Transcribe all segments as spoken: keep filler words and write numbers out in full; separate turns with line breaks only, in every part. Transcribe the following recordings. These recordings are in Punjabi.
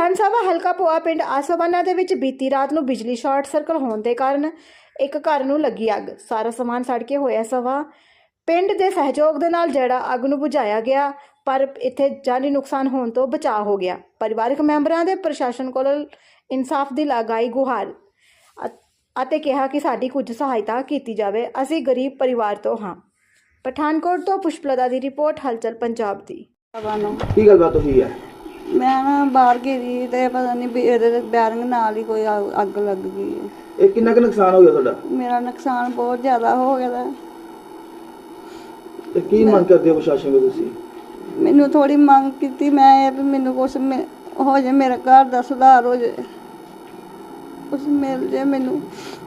ਵਿਧਾਨ ਸਭਾ ਹਲਕਾ ਭੋਆ ਪਿੰਡ ਆਸੋਬਾਨਾ ਦੇ ਵਿੱਚ ਬੀਤੀ ਰਾਤ ਨੂੰ ਬਿਜਲੀ ਸ਼ਾਰਟ ਸਰਕਟ ਹੋਣ ਦੇ ਕਾਰਨ ਇੱਕ ਘਰ ਨੂੰ ਲੱਗੀ ਅੱਗ। ਸਾਰਾ ਸਮਾਨ ਸੜ ਕੇ ਹੋਇਆ ਸਵਾ। ਪਿੰਡ ਦੇ ਸਹਿਯੋਗ ਦੇ ਨਾਲ ਜਿਹੜਾ ਅੱਗ ਨੂੰ ਬੁਝਾਇਆ ਗਿਆ, ਪਰ ਇੱਥੇ ਜਾਨੀ ਨੁਕਸਾਨ ਹੋਣ ਤੋਂ ਬਚਾਅ ਹੋ ਗਿਆ। ਪਰਿਵਾਰਕ ਮੈਂਬਰਾਂ ਦੇ ਪ੍ਰਸ਼ਾਸਨ ਕੋਲ ਇਨਸਾਫ ਦੀ ਲਗਾਈ ਗੁਹਾਰ ਅਤੇ ਕਿਹਾ ਕਿ ਸਾਡੀ ਕੁਝ ਸਹਾਇਤਾ ਕੀਤੀ ਜਾਵੇ, ਅਸੀਂ ਗਰੀਬ ਪਰਿਵਾਰ ਤੋਂ ਹਾਂ। ਪਠਾਨਕੋਟ ਤੋਂ ਪੁਸ਼ਪਲਤਾ ਦੀ ਰਿਪੋਰਟ, ਹਲਚਲ ਪੰਜਾਬ ਦੀ।
ਕੀ ਗੱਲਬਾਤ ਹੋਈ ਹੈ?
ਮੈਂ ਨਾ ਬਾਹਰ ਗਈ ਤੇ ਪਤਾ ਨਹੀਂ ਵੀ ਇਹਦੇ ਬੈਰਿੰਗ ਨਾਲ ਹੀ ਕੋਈ ਅੱਗ ਅੱਗ ਲੱਗ ਗਈ ਹੈ।
ਇਹ ਕਿੰਨਾ ਕੁ ਨੁਕਸਾਨ ਹੋ ਗਿਆ ਤੁਹਾਡਾ?
ਮੇਰਾ ਨੁਕਸਾਨ ਬਹੁਤ ਜ਼ਿਆਦਾ ਹੋ ਗਿਆ ਦਾ।
ਤੇ ਕੀ ਮੰਗ ਕਰਦੇ ਹੋ ਪ੍ਰਸ਼ਾਸਨ ਕੋਲ ਤੁਸੀਂ?
ਮੈਨੂੰ ਥੋੜੀ ਮੰਗ ਕੀਤੀ ਮੈਂ ਇਹ ਵੀ ਮੈਨੂੰ ਕੁਛ ਮਿ- ਹੋ ਜਾਏ, ਮੇਰੇ ਘਰ ਦਾ ਸੁਧਾਰ ਹੋ ਜਾਏ, ਕੁਛ ਮਿਲ ਜਾਏ ਮੈਨੂੰ।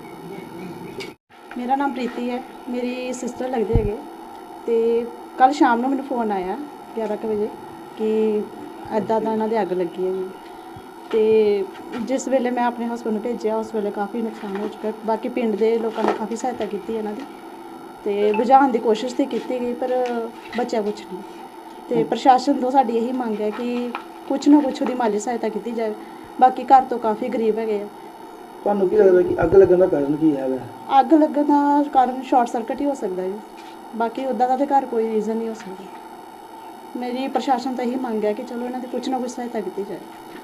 ਮੇਰਾ ਨਾਮ ਪ੍ਰੀਤੀ ਹੈ, ਮੇਰੀ ਸਿਸਟਰ ਲੱਗਦੇ ਹੈਗੇ। ਤੇ ਕੱਲ ਸ਼ਾਮ ਨੂੰ ਮੈਨੂੰ ਫੋਨ ਆਇਆ ਗਿਆਰਾਂ ਕੁ ਵਜੇ ਕਿ ਇੱਦਾਂ ਦਾ ਇਹਨਾਂ ਦੇ ਅੱਗ ਲੱਗੀ ਹੈਗੀ। ਤੇ ਜਿਸ ਵੇਲੇ ਮੈਂ ਆਪਣੇ ਹਸਬੈਂਡ ਨੂੰ ਭੇਜਿਆ, ਉਸ ਵੇਲੇ ਕਾਫੀ ਨੁਕਸਾਨ ਹੋ ਚੁੱਕਾ। ਬਾਕੀ ਪਿੰਡ ਦੇ ਲੋਕਾਂ ਨੇ ਕਾਫੀ ਸਹਾਇਤਾ ਕੀਤੀ ਇਹਨਾਂ ਦੀ, ਤੇ ਬੁਝਾਉਣ ਦੀ ਕੋਸ਼ਿਸ਼ ਤਾਂ ਕੀਤੀ ਗਈ, ਪਰ ਬਚਿਆ ਕੁਛ ਨਹੀਂ। ਤੇ ਪ੍ਰਸ਼ਾਸਨ ਤੋਂ ਸਾਡੀ ਇਹੀ ਮੰਗ ਹੈ ਕਿ ਕੁਛ ਨਾ ਕੁਛ ਉਹਦੀ ਮਾਲੀ ਸਹਾਇਤਾ ਕੀਤੀ ਜਾਵੇ। ਬਾਕੀ ਘਰ ਤੋਂ ਕਾਫੀ ਗਰੀਬ ਹੈਗੇ ਆ।
ਤੁਹਾਨੂੰ ਕੀ ਲੱਗਦਾ ਕਿ ਅੱਗ ਲੱਗਣ ਦਾ ਕਾਰਨ ਕੀ ਹੈਗਾ?
ਅੱਗ ਲੱਗਣ ਦਾ ਕਾਰਨ ਸ਼ਾਰਟ ਸਰਕਟ ਹੀ ਹੋ ਸਕਦਾ ਜੀ, ਬਾਕੀ ਉੱਦਾਂ ਦਾ ਤਾਂ ਘਰ ਕੋਈ ਰੀਜ਼ਨ ਨਹੀਂ ਹੋ ਸਕਦਾ। ਮੇਰੀ ਪ੍ਰਸ਼ਾਸਨ ਤੋਂ ਇਹੀ ਮੰਗ ਹੈ ਕਿ ਚਲੋ ਇਹਨਾਂ ਦੀ ਕੁਛ ਨਾ ਕੁਛ ਸਹਾਇਤਾ ਕੀਤੀ ਜਾਏ।